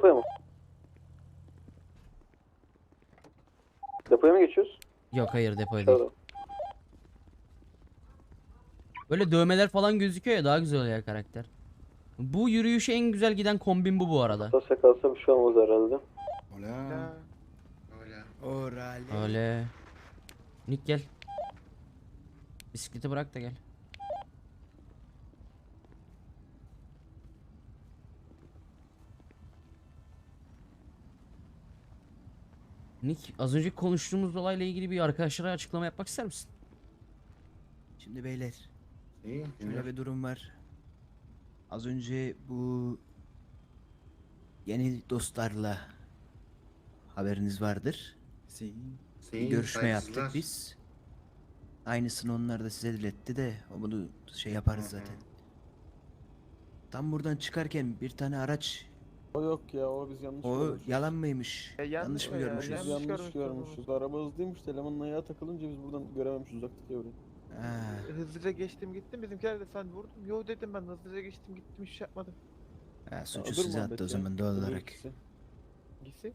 Depoya mı? Depoya mı geçiyoruz? Yok hayır depoya değil. Aşağıda. Böyle dövmeler falan gözüküyor ya, daha güzel oluyor karakter. Bu yürüyüşe en güzel giden kombin bu arada. Tasya kalsa bir şey olmaz herhalde. Hola. Öyle. Orale. Öyle. Nick gel. Bisikleti bırak da gel. Nick, az önce konuştuğumuz olayla ilgili bir arkadaşlara açıklama yapmak ister misin? Şimdi beyler, İyi. şöyle Dinliyorum. bir durum var. Az önce bu yeni dostlarla haberiniz vardır. Bir görüşme yaptık saygısızlar. biz. Aynısını onlar da size diletti de o bunu şey yaparız Hı hı. zaten. Tam buradan çıkarken bir tane araç, O yok ya, o biz yanlış o görmüşüz. yalan mıymış? Yanlış mı Biz görmüşüz? yanlış görmüşüz. Araba hızlıymış, elemanın ayağı takılınca biz buradan görememişiz uzaktaki yavruyu. Ha, Hızlıca geçtim gittim, bizimkiler de sen vurdum. Yo dedim, ben hızlıca geçtim gittim, hiç şey yapmadım. ha, suçu Öbür size muhabbet attı o ya, zaman doğal öbür olarak. ikisi. Gitsin.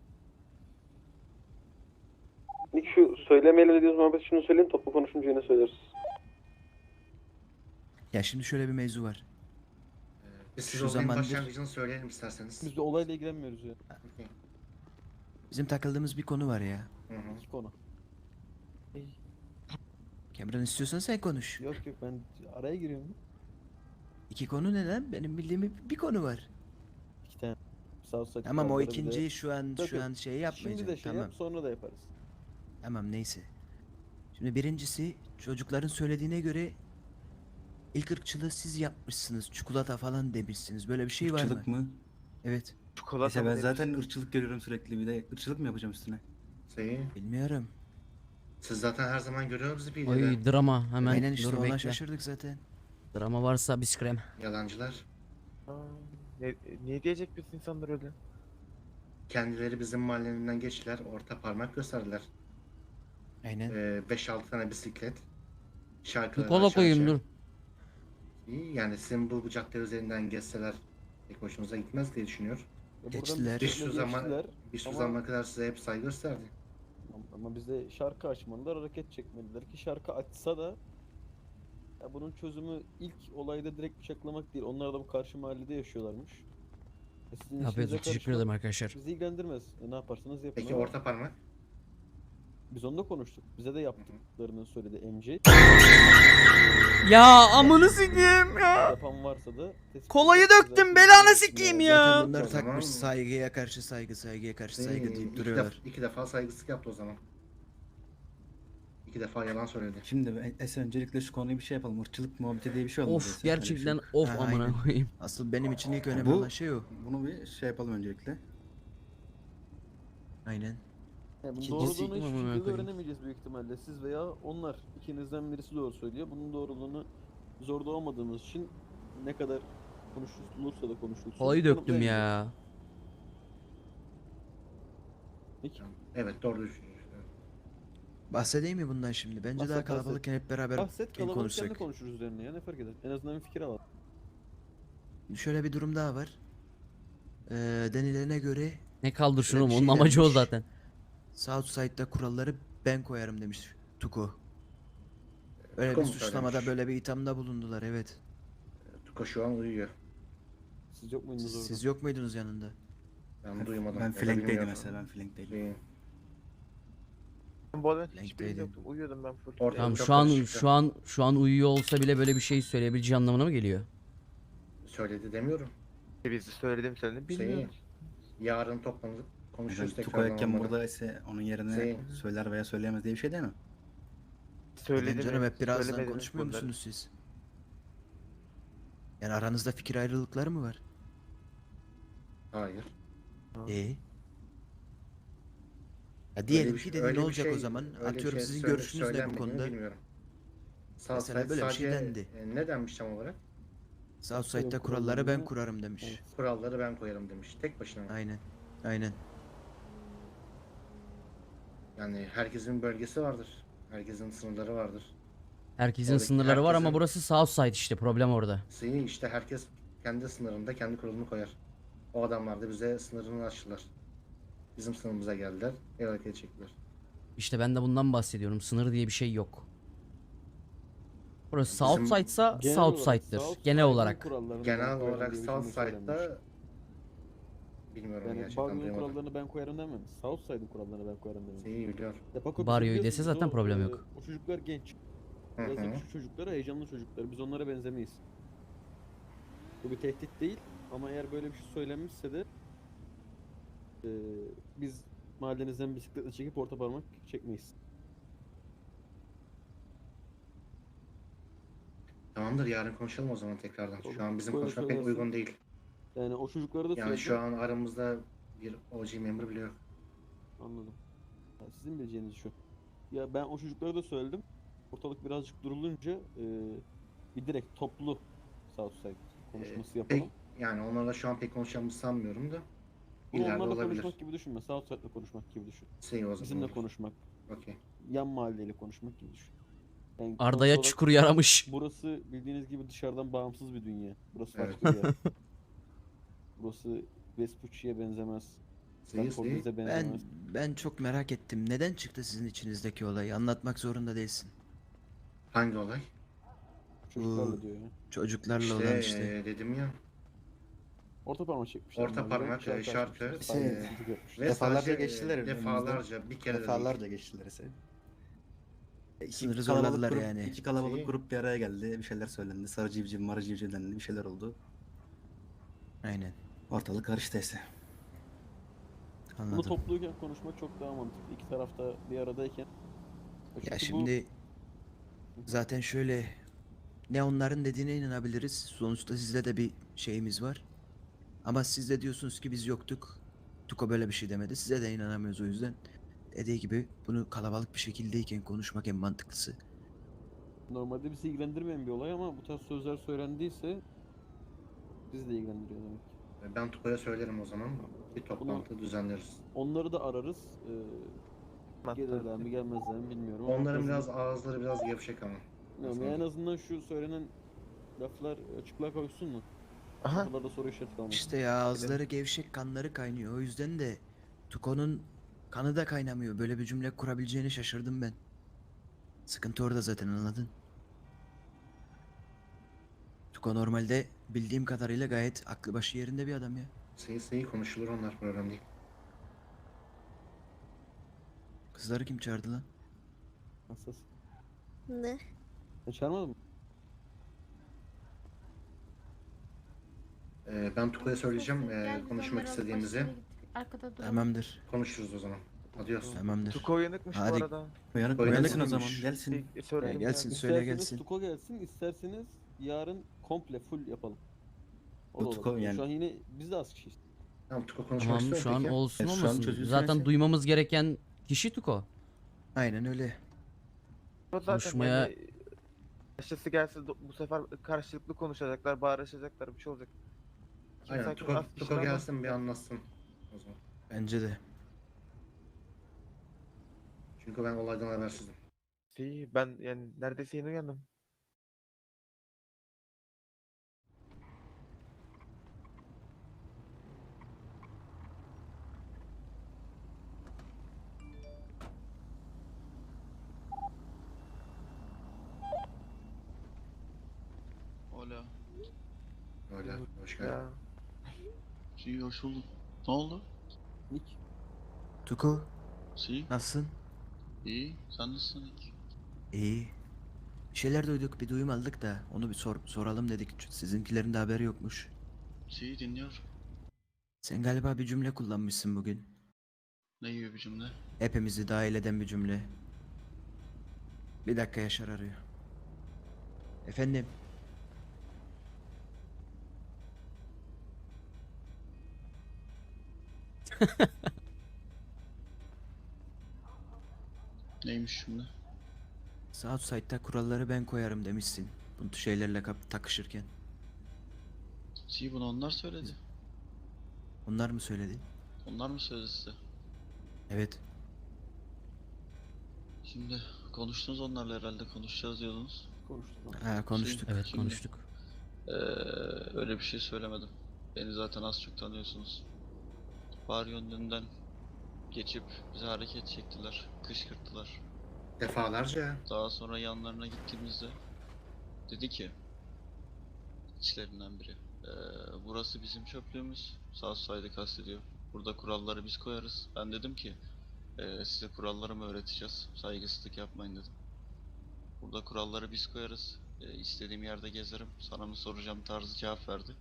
Nick şu söylemeyle dediğimiz muhabbet şunu söyleyeyim, toplu konuşunca yine söyleriz. Ya şimdi şöyle bir mevzu var. Biz size Şu olayın zamandır- başlangıcını söyleyelim isterseniz. Biz de olayla ilgilenmiyoruz ya. Okey. Bizim takıldığımız bir konu var ya. Hı hı. İki konu. Cameron, istiyorsan sen konuş. Yok yok, ben araya giriyorum. İki konu ne lan? Benim bildiğim bir konu var. İki tane. Southside Tamam, o kuralları bir de- ikinciyi şu an Yok, şu yok. an şey Şimdi yapmayacağım. de şey Tamam. yap, sonra da yaparız. Tamam, neyse. Şimdi birincisi, çocukların söylediğine göre ilk ırkçılığı siz yapmışsınız. Çikolata falan demişsiniz. Böyle bir şey var mı? Irkçılık mı? Evet. Çikolata Neyse mı ben demiş? zaten ırkçılık görüyorum sürekli, bir de ırkçılık mı yapacağım üstüne? Bilmiyorum. Siz zaten her zaman görüyoruz bir Oy drama hemen. Aynen işte Dur ona bekle. şaşırdık zaten. Drama varsa biz krem. Yalancılar. Aa, ne diyecek biz insanlar öyle? Kendileri bizim mahallenden geçtiler. Orta parmak gösterdiler. Aynen. 5-6 tane bisiklet. Şarkıları Kola aşağı koyayım aşağı. dur. İyi, yani sizin bu cadde üzerinden geçseler pek hoşunuza gitmez diye düşünüyor. Ya buradan Geçtiler. Bir bisikletle şu zaman geçtiler bir şu ama- zamana kadar size hep saygı gösterdi. Ama bize şarkı açmadılar, hareket çekmediler ki şarkı açsa da ya bunun çözümü ilk olayda direkt bıçaklamak değil. Onlar da bu karşı mahallede yaşıyorlarmış. Sizin Afiyet işinize olsun. Teşekkür karışmak ederim arkadaşlar. bizi ilgilendirmez. Ne yaparsanız yapın. Peki ama orta parmak? biz onunla konuştuk. Bize de yaptıklarını söyledi MC. Ya amını sikeyim ya. Yapan varsa da tespit Kolayı edeceğiz. döktüm, Zaten belanı biz- sikeyim Yani ya. Zaten bunlar O zaman- takmış saygıya karşı saygı, saygıya karşı saygı deyip duruyorlar. İki defa saygısızlık yaptı o zaman. İki defa yalan söyledi. Şimdi öncelikle şu konuyu bir şey yapalım. Irkçılık muhabbeti diye bir şey olmadı. Of zaten, öyle bir şey gerçekten yok. of Ha, amına aynen. koyayım. Asıl benim için ilk önemli Bu- olan şey o. Bunu bir şey yapalım öncelikle. Aynen. Yani bunun İkincisi- doğruluğunu hiçbir Amına şekilde koyayım. öğrenemeyeceğiz büyük ihtimalle. Siz veya onlar. İkinizden birisi doğru söylüyor. Bunun doğruluğunu zorda olmadığımız için ne kadar konuşulursa da konuşulsun. Kolayı döktüm kanıtlayamayacağız. ya. Peki. Evet, doğru düşünüyorsun. Bahsedeyim mi bundan şimdi? Bence Bahset, daha bahset. kalabalıkken hep beraber Bahset, kalabalıkken de konuşsak. konuşuruz üzerine ya, ne fark eder? En azından bir fikir alalım. Şöyle bir durum daha var. Denilene göre Ne kaldır şunu, bir onun şey amacı o denmiş. zaten. Southside'da kuralları ben koyarım demiş Tuko. Öyle Tuko bir mu suçlamada, söylemiş? böyle bir ithamda bulundular, evet. Tuko şu an uyuyor. Siz yok muydunuz orada? Siz yok muydunuz yanında? Ben duymadım. Ben ya da flankteydim bilmiyorum. mesela, ben flankteydim. Şey, Ben bu arada Renkli hiçbir edin. yoktum. Uyuyordum ben full. Orta- Tamam çok şu an karışık. şu an uyuyor olsa bile böyle bir şey söyleyebileceği anlamına mı geliyor? söyledi demiyorum. Bizi söyledim bilmiyorum. Yarın toplanıp konuşuruz Tuko tekrardan yokken onları. burada ise onun yerine Şey- söyler veya söyleyemez diye bir şey değil mi? Söyledim. Neden canım, hep birazdan söylemedim konuşmuyor bunları. musunuz siz? Yani aranızda fikir ayrılıkları mı var? Hayır. Ya diyelim Öyle ki bir- dedin, öyle ne bir olacak şey- o zaman? öyle bir Atıyorum şey sizin söyle- görüşünüz ne bu söylenmediğini konuda? Bilmiyorum. Mesela Southside böyle bir şey sadece, dendi. ne denmiş tam olarak? Southside'da kurallarını- kuralları ben kurarım demiş. Evet. Kuralları ben koyarım demiş. Tek başına. Aynen. Aynen. Yani herkesin bölgesi vardır. Herkesin sınırları vardır. Herkesin Oradaki sınırları var ama herkesin- burası Southside, işte problem orada. Senin işte herkes kendi sınırında kendi kuralını koyar. O adamlar da bize sınırını açtılar. Bizim sınırımıza geldiler. El hareket çektiler. İşte ben de bundan bahsediyorum. Sınır diye bir şey yok. Burası Bizim- Southside'sa Genel Southside'dır. Southside'ın Genel olarak. kurallarını ben Genel koyarım olarak diye bir cümle Southside'da söylenmiş. bilmiyorum Yani gerçekten Barlow'un duymadım. kurallarını ben koyarım dememiş. Southside'ın kurallarını ben koyarım dememiş. İyi biliyor. Depako Baryo'yu bizim dese biliyorsunuz zaten problem yok. O çocuklar genç. Hı Biraz da hı. küçük çocuklar, heyecanlı çocuklar. Biz onlara benzemeyiz. Bu bir tehdit değil ama eğer böyle bir şey söylenmişse de biz mahallenizden bisikletle çekip orta parmak çekmeyiz. Tamamdır, yarın konuşalım o zaman tekrardan. Şu an bizim Böyle konuşmak pek söylersin. uygun değil. Yani o çocuklara da Yani söyledim. şu an aramızda bir OG member bile yok. Anladım. Ya sizin bileceğiniz şu. Ya ben o çocuklara da söyledim. Ortalık birazcık durulunca bir direkt toplu Southside konuşması yapalım. Pek, yani onlarla şu an pek konuşacağımızı sanmıyorum da. Bunu İleride onlarla olabilir. konuşmak gibi düşünme. Southside'la konuşmak gibi düşün. Şey o zaman Bizimle olur. konuşmak, Okey. yan mahalleyle konuşmak gibi düşün. Yani Arda'ya sonuç olarak çukur yaramış. burası bildiğiniz gibi dışarıdan bağımsız bir dünya. Burası Evet. farklı bir yer. Burası Vespucci'ye benzemez. Seyir Stanford seyir. bize Ben benzemez. ben çok merak ettim. Neden çıktı sizin içinizdeki olay? Anlatmak zorunda değilsin. Hangi olay? Çocuklarla diyor ya. Çocuklarla olan İşte işte. dedim ya. Orta parmak çekmişler. Orta mahalleden, parmak, şarkı şarkı, açmışlar, şey, saygısızlık yapmışlar. Ve Defalarca sadece, geçtiler önümüzden. defalarca bir kere de Defalarca değil. geçtiler ise. Sınırı zorladılar grup, yani. İki kalabalık Şeyi- grup bir araya geldi. Bir şeyler söylendi. Sarı civciv, marı civciv dendi. Bir şeyler oldu. Aynen. Ortalık karıştı ise. Bunu Anladım. topluyken konuşmak çok daha mantıklı. İki tarafta bir aradayken. Çünkü Ya bu- şimdi zaten şöyle, ne onların dediğine inanabiliriz. Sonuçta sizde de bir şeyimiz var. Ama siz de diyorsunuz ki biz yoktuk. Tuko böyle bir şey demedi. Size de inanamıyoruz o yüzden. Dediği gibi bunu kalabalık bir şekildeyken konuşmak en mantıklısı. normalde bizi ilgilendirmeyen bir olay ama bu tarz sözler söylendiyse bizi de ilgilendiriyor demek. Ben Tuko'ya söylerim o zaman. Bir toplantı düzenleriz. Onları da ararız. Mantıklı. Gelirler mi gelmezler mi bilmiyorum. ama Onların en biraz azından- ağızları biraz gevşek ama. Bilmiyorum ya, en azından şu söylenen laflar açıklığa kavuşsun mu? Aha. Kafalarda soru işareti kalmasın. İşte ya ağızları gevşek, kanları kaynıyor. O yüzden de Tuko'nun kanı da kaynamıyor. Böyle bir cümle kurabileceğini şaşırdım ben. Sıkıntı orada zaten, anladın? Tuko normalde bildiğim kadarıyla gayet aklı başı yerinde bir adam ya. Seyir konuşulur, onlar problem değil. Kızları kim çağırdı lan? Hassas. Ne? Sen çağırmadın mı? Ben Tuko'ya söyleyeceğim Gel biz konuşmak onları alıp istediğimizi. başka yere gittik. Arkada duralım. Tamamdır. Konuşuruz o zaman. Adios. Tamamdır. Tuko uyanıkmış bu Hadi. arada. Uyanık Uyanık uyanıksın o zaman. mıymış? Gelsin. Söyledim gelsin. ya. Söyle İsterseniz gelsin. Tuko gelsin, isterseniz yarın komple full yapalım. O da Tuko olabilir. yani- Şu an yine biz de az kişiyiz. Tamam, Tuko konuşmak Tamam istiyor şu an peki. olsun şu an olmasın. çocuğu Zaten söylese- duymamız gereken kişi Tuko. Aynen öyle. O zaten Konuşmaya- yani başkası gelse bu sefer karşılıklı konuşacaklar, bağırışacaklar, bir şey olacak. Kimse Aynen, hakkında az Tuko kişi ama- gelsin bir anlatsın o zaman. Bence de. Çünkü ben olaydan habersizim. İyi, ben yani neredeyse yeni uyandım. Hola. Öyle. Hoş geldin. Ya. Sí, hoş bulduk. Ne oldu? Nick, Tuko Sí, nasılsın? iyi. Sen nasılsın Nick? İyi. Bir şeyler duyduk, bir duyum aldık da onu bir soralım dedik. Sizinkilerin de haberi yokmuş. Sí, dinliyor. Sen galiba bir cümle kullanmışsın bugün. Ne gibi bir cümle? Hepimizi dahil eden bir cümle. Bir dakika, Yaşar arıyor. Efendim? Neymiş cümle? Southside'da kuralları ben koyarım demişsin. Bu şeylerle takışırken. Sí, bunu onlar söyledi. Onlar mı söyledi? Onlar mı söyledi size? Evet. Şimdi konuştunuz onlarla herhalde, konuşacağız diyordunuz. konuştuk. Ha, konuştuk. Evet Şimdi- konuştuk. Öyle bir şey söylemedim. Beni zaten az çok tanıyorsunuz. Bar yönünden geçip bize hareket çektiler, kışkırttılar. Defalarca. Daha sonra yanlarına gittiğimizde dedi ki içlerinden biri, burası bizim çöplüğümüz. Southside'ı kastediyor. Burada kuralları biz koyarız. Ben dedim ki size kuralları mı öğreteceğiz? Saygısızlık yapmayın dedim. Burada kuralları biz koyarız. İstediğim yerde gezerim. Sana mı soracağım tarzı cevap verdi.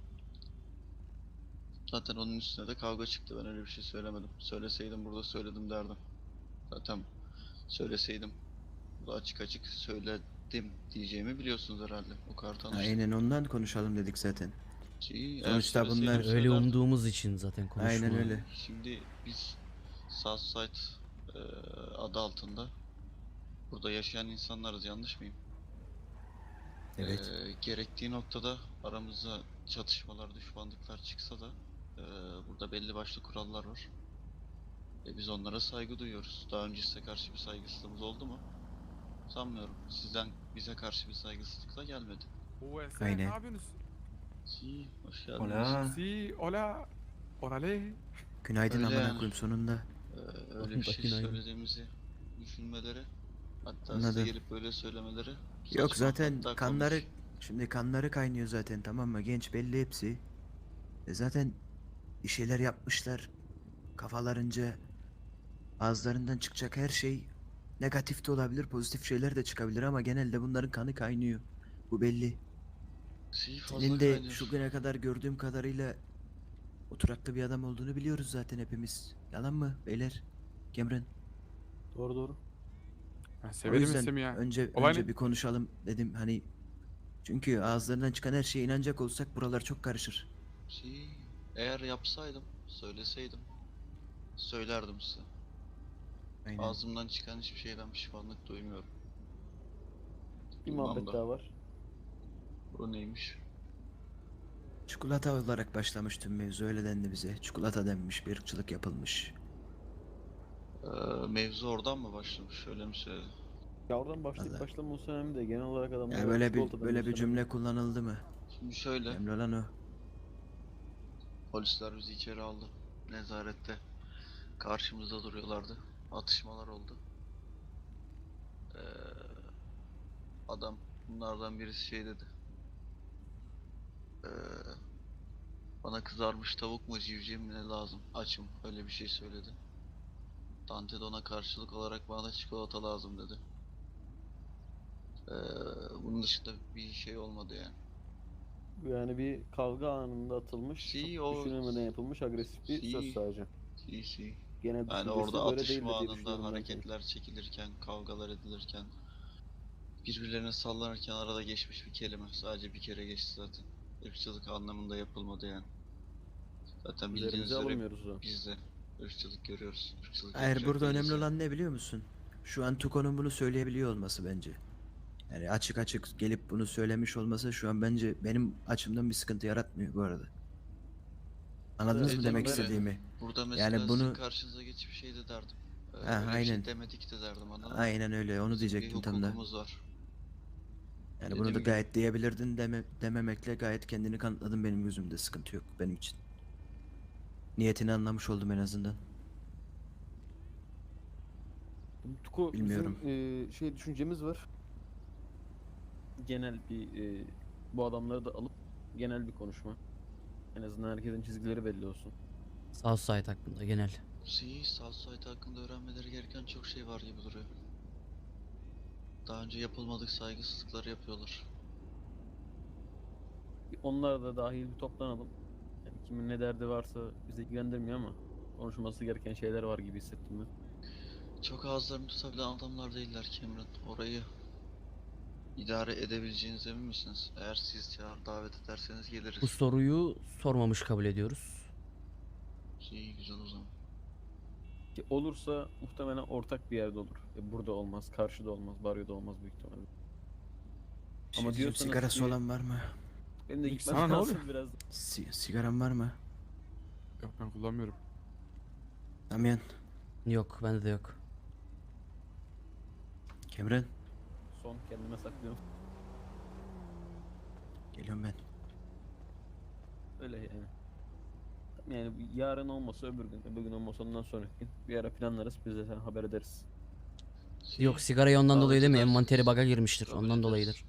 Zaten onun üstüne de kavga çıktı. Ben öyle bir şey söylemedim. Söyleseydim burada söyledim derdim. Zaten söyleseydim burada açık açık söyledim diyeceğimi biliyorsunuz herhalde. O kadar tanıştık. Aynen ondan konuşalım dedik zaten. Eğer Sonuçta söyleseydim bunlar- Öyle söylerdim. umduğumuz için zaten konuşma. Aynen öyle. Şimdi biz Southside adı altında burada yaşayan insanlarız, yanlış mıyım? Evet. Gerektiği noktada aramızda çatışmalar, düşmanlıklar çıksa da burada belli başlı kurallar var. Biz onlara saygı duyuyoruz. Daha önce size karşı bir saygısızlığımız oldu mu? Sanmıyorum. Sizden bize karşı bir saygısızlıkla gelmedi. Aynen. Ne yapıyorsunuz? Si, hoş geldiniz. Hola. Si, hola. Orale. Günaydın Öyle amına yani. koyayım sonunda. Öyle bir şey Günaydın. söylediğimizi düşünmeleri, hatta Anladım. size gelip böyle söylemeleri Yok saçma, zaten hatta kanları komik. şimdi kanları kaynıyor zaten, tamam mı? Genç belli hepsi. Zaten bir şeyler yapmışlar. Kafalarınca ağızlarından çıkacak her şey negatif de olabilir, pozitif şeyler de çıkabilir ama genelde bunların kanı kaynıyor. Bu belli. Si, fazla Senin de kaynıyor. şu güne kadar gördüğüm kadarıyla oturaklı bir adam olduğunu biliyoruz zaten hepimiz. Yalan mı beyler? Cameron. Doğru doğru. Ben O severim yüzden ismi ya. önce Olay önce ne? bir konuşalım dedim hani, çünkü ağızlarından çıkan her şeye inanacak olsak buralar çok karışır. Si, eğer yapsaydım, söyleseydim, söylerdim size. Aynen. Ağzımdan çıkan hiçbir şeyden pişmanlık duymuyorum. Bir Duymam muhabbet da. daha var. Bu neymiş? Çikolata olarak başlamış tüm mevzu, öyle dendi bize. Çikolata denmiş, bir ırkçılık yapılmış. Mevzu oradan mı başlamış? Öyle mi söyledi? Ya oradan başlayıp Vallahi. başlamaması önemli de genel olarak adamlar Yani böyle bir çikolatadan böyle bir bahsediyor. cümle kullanıldı mı? Şimdi şöyle, Önemli olan o. polisler bizi içeri aldı. Nezarette karşımızda duruyorlardı. Atışmalar oldu. Ee, adam bunlardan birisi şey dedi. Ee, bana kızarmış tavuk mu civciv mi ne lazım? Açım. Öyle bir şey söyledi. Dante de ona karşılık olarak bana da çikolata lazım dedi. Ee, bunun dışında bir şey olmadı yani. Yani bir kavga anında atılmış, Si, çok o- düşünülmeden yapılmış agresif bir Si. söz sadece. Si. Genel Yani düşüncesi orada böyle atışma değildi diye anında düşünüyorum ben. hareketler çekilirken, kavgalar edilirken, birbirlerine sallanırken arada geçmiş bir kelime. Sadece bir kere geçti zaten. Irkçılık anlamında yapılmadı yani. Zaten bildiğiniz Üzerimize üzere alınmıyoruz o. biz de ırkçılık görüyoruz. Irkçılık Hayır, yapacak burada değiliz önemli yani. olan ne biliyor musun? Şu an Tuko'nun bunu söyleyebiliyor olması bence. Yani açık açık gelip bunu söylemiş olması şu an bence benim açımdan bir sıkıntı yaratmıyor bu arada. Anladınız mı Dediğim demek gibi, istediğimi? Burada mesela Yani bunu- sizin karşınıza geçip şey de derdim. Ha, Öyle bir aynen. şey demedik de derdim, anladın mı? Aynen öyle, onu Bizim bir diyecektim tam da. hukukumuz var. Yani Dediğim bunu da gibi. gayet diyebilirdin, dememekle gayet kendini kanıtladın benim gözümde, sıkıntı yok benim için. Niyetini anlamış oldum en azından. Tuko, Bilmiyorum. bizim şey düşüncemiz var. Genel bir bu adamları da alıp genel bir konuşma. En azından herkesin çizgileri belli olsun. Southside hakkında genel. Southside hakkında öğrenmeleri gereken çok şey var gibi duruyor. Daha önce yapılmadık saygısızlıkları yapıyorlar. Onlar da dahil bir toplanalım. Yani kimin ne derdi varsa bizi ilgilendirmiyor ama konuşulması gereken şeyler var gibi hissettim ben. Çok ağızlarını tutabilen adamlar değiller Cameron. Orayı idare edebileceğinize emin misiniz? Eğer siz çağır davet ederseniz geliriz. Bu soruyu sormamış kabul ediyoruz. İyi, güzel o zaman. Ki olursa muhtemelen ortak bir yerde olur. Burada olmaz, karşıda olmaz, baryoda olmaz büyük ihtimalle. Bir şey Ama diyeceğim, diyorsanız sigarası ki- olan var mı? Benim de İlk gitmem sana ne lazım oluyor? biraz. Sigaran var mı? Yok ben kullanmıyorum. Damian, Yok, bende de yok. Cameron, Son kendime saklıyorum. geliyorum ben. Öyle yani. Yani yarın olmasa öbür gün olmasa ondan sonraki gün bir ara planlarız, biz de sana haber ederiz. Yok, sigarayı ondan davet dolayı değil mi? ederseniz Envanteri bug'a girmiştir. kabul Ondan ederiz. dolayıdır.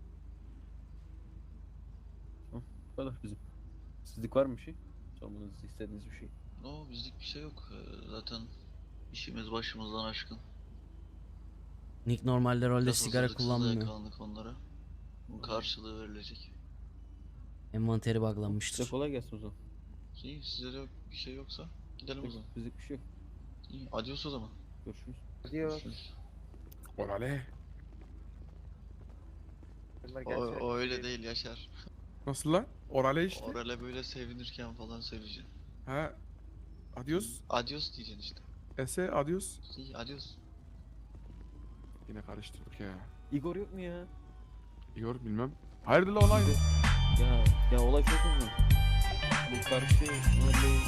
Bu kadar bizim. Sizlik var mı bir şey? Sormanızı istediğiniz bir şey. No, bizlik bir şey yok. Zaten işimiz başımızdan aşkın. Nick normalde rolde Biraz sigara hazırlıksız da kullanmıyor. yakalandık onlara. Bunun karşılığı verilecek. Envanteri Size bug'lanmıştır. kolay gelsin o zaman. İyi, size de yok, bir şey yoksa gidelim o zaman. Bizlik bir şey yok. İyi, adios o zaman. Görüşürüz. Diyor. Görüşürüz. Orale. O öyle değil Yaşar. Nasıl lan? Orale işte. Orale böyle sevinirken falan söyleyeceksin. Ha. Adios. Adios diyeceksin işte. Ese adios. İyi, adios. Yine karıştırdık ya. Igor yok mu ya? Igor bilmem. Hayırdır la olay? Ya olay çok uzun. Bu karşı mahalleyi